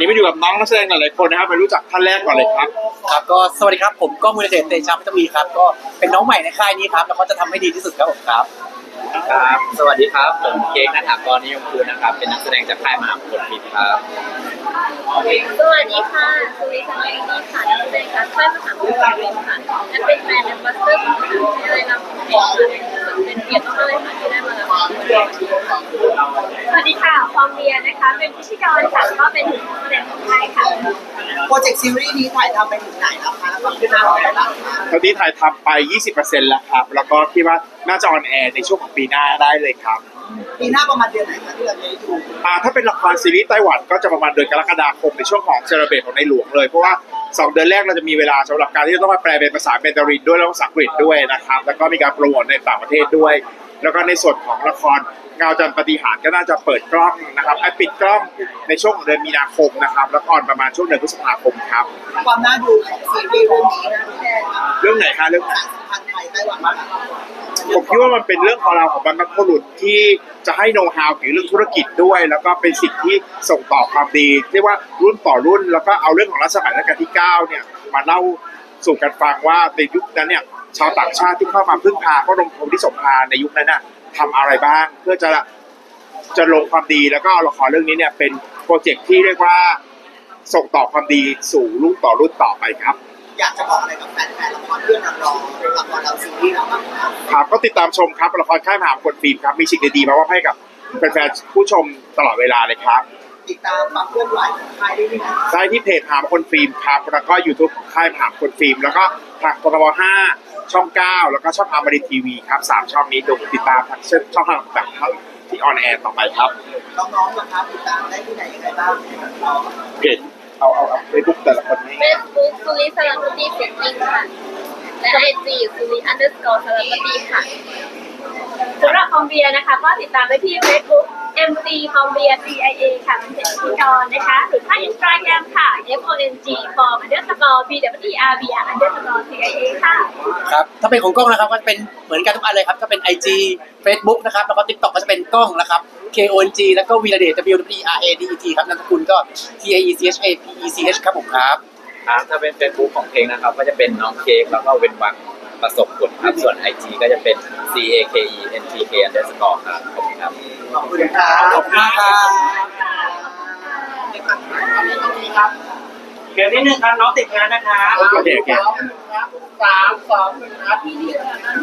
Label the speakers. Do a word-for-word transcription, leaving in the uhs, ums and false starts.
Speaker 1: นี้มาอยู่กับน้องนักแสดงหลายๆคนนะครับไปรู้จักท่านแรกก่อนเลยครับ
Speaker 2: ครับก็สวัสดีครับผมก็มูลเดชเตชะพัฒวีครับก็เป็นน้องใหม่ในค่ายนี้ครับแล้วก็จะทำให้ดีที่สุดครับผมครับ
Speaker 3: ครับสวัสดีครับผมเค้กณฐากรนิยมคูณนะครับเป็นนักแสดงจากค่ายมหาวิทยาลัยครับ
Speaker 4: สวัสดีค่ะสุริชัยนีค่ะนักแสดงจากค่ายมหาวิทยาลัยค่ะและเป็นแบรนด์แอมบาสเดอร์ของมหาวิทยาลัยรามคำแหงค่ะเป็นเกียรติมากเลยค่ะที่ได้มารับสวัสดีค่ะฟอร์มเรียนะคะเป็นพิธีกรค่ะก็เป็นนักแสดงของค่ายค่ะ
Speaker 5: โปรเจกต์ซีรีส์นี้ถ่ายทำไปถึงไหนแล้วคะแล้วความคืบหน้าอะไรบ้างคะ
Speaker 1: ตอนนี้ถ่ายทำไป ยี่สิบเปอร์เซ็นต์ แล้วครับแล้วก็คิดว่าน่าจะออนแอร์ในช่วงของปีหน้าได้เลยครับ
Speaker 5: ปีหน้าประมาณเดือนไหนคะที่เราจะได้ดู
Speaker 1: อ่าถ้าเป็นละครซีรีส์ไต้หวันก็จะประมาณเดือนกรกฎาคมในช่วงของเซเลเบรตของในหลวงเลยเพราะว่าสองเดือนแรกเราจะมีเวลาสำหรับการที่จะต้องมาแปลเป็นภาษาเมนดารินด้วยแล้วก็ภาษาอังกฤษด้วยนะครับแล้วก็มีการโปรโมทในต่างประเทศด้วยแล้วก็ในส่วนของละครเงาจันทร์ปาฏิหาริย์ก็น่าจะเปิดกล้องนะครับไอปิดกล้องในช่วงของเดือนมีนาคมนะครับแล้วก็ออนประมาณช่วงเดือนพฤษภาคมครับ
Speaker 5: ความน่าดูของซีรีส์เรื่องนี้นะพี่แดน
Speaker 1: เรื่องไหนคะเรื่อง
Speaker 5: สารสัมพันธ์ไทยไต้หวัน
Speaker 1: ผมคิดว่ามันเป็นเรื่องของเราของบรรพบุรุษที่จะให้โน้ตฮาวเกี่ยวกับเรื่องธุรกิจด้วยแล้วก็เป็นสิ่งที่ส่งต่อความดีเรียกว่ารุ่นต่อรุ่นแล้วก็เอาเรื่องของรัชสมัยรัชกาลที่เก้าเนี่ยมาเล่าสู่กันฟังว่าในยุคนั้นเนี่ยชาวต่างชาติที่เข้ามาพึ่งพาพระบรมโพธิสมภารในยุคนั้นน่ะทำอะไรบ้างเพื่อจะจะลงความดีแล้วก็ละครเรื่องนี้เนี่ยเป็นโปรเจกต์ที่เรียกว่าส่งต่อความดีสู่รุ่นต่อรุ่นต่อไปครับ
Speaker 5: อยากจะบอกอะไรกับแฟนๆละครเรื่องเราละครเราซีรีส์เราบ้างครับ
Speaker 1: ครับก็ติดตามชมครับละครค่ายมหาวิทยาลัยฟิล์มครับมีสิ่งดีๆมามอบให้กับแฟนๆผู้ชมตลอดเวลาเลยครับ
Speaker 5: ติดตามความเคลื่อนไหวของค่ายได้ที่ไหน
Speaker 1: ได้ที่เพจมหาวิทยาลัยฟิล์มครับแล้วก็ YouTube ของค่ายมหาวิทยาลัยฟิล์มแล้วก็ทางกทบห้าช่องเก้าแล้วก็ช่องอมรินทร์ทีวีครับสามช่องนี้ดูติดตามทางช่องทางต่างๆที่ออนแอร์ต่อไปครับ
Speaker 5: น้องๆนะครับติดตามได้ที่ไหนยังไงบ้าง
Speaker 1: เพจเอาเอาเอาเฟซบุ๊กแต่ละคนนี้
Speaker 4: เฟซบุ๊กสุริสารคดีเสียงจริงค่ะและไอจีสุริอันเดอร์สกอร์สารคดีค่ะสำหรับคอมเบียนะคะก็ติดตามได้ที่ Facebook เอ็ม ซี คอมเบีย ซี ไอ เอ ค่ะเป็นเพจพิธีกรนะคะหรือถ้า Instagram ค่ะ เอฟ โอ เอ็น จี form underscore บี ดับเบิลยู อี อาร์ บี underscore ซี ไอ เอ ค่ะ
Speaker 2: ครับถ้าเป็นของกล้องนะครับก็จะเป็นเหมือนกันทุกอันเลยครับจะเป็น ไอ จี Facebook นะครับแล้วก็ TikTok ก็จะเป็นกล้องนะครับ เค โอ เอ็น จี แล้วก็วีระเดช ดับเบิลยู ดับเบิลยู อี อาร์ เอ ดี อี ที ครับนามสกุลก็ ที เอ อี ซี เอช เอ พี อี ซี เอช ครับผมครับ
Speaker 3: ครับถ้าเป็น Facebook ของเพลงนะครับก็จะเป็นน้องเค้กแล้วก็เว้นวรรคประสบผลครับส่วน ไอ จี ก็จะเป็น ซี เอ เค อี เอ็น ที เค underscore ครับขอบคุณครับ
Speaker 5: ขอบคุณครับ
Speaker 2: ขอบคุณครับ
Speaker 6: เดี๋ยวนิดนึงครับน้องติดงานนะคะ
Speaker 1: โอเคโอเค
Speaker 5: สามสองหนึ่งครับ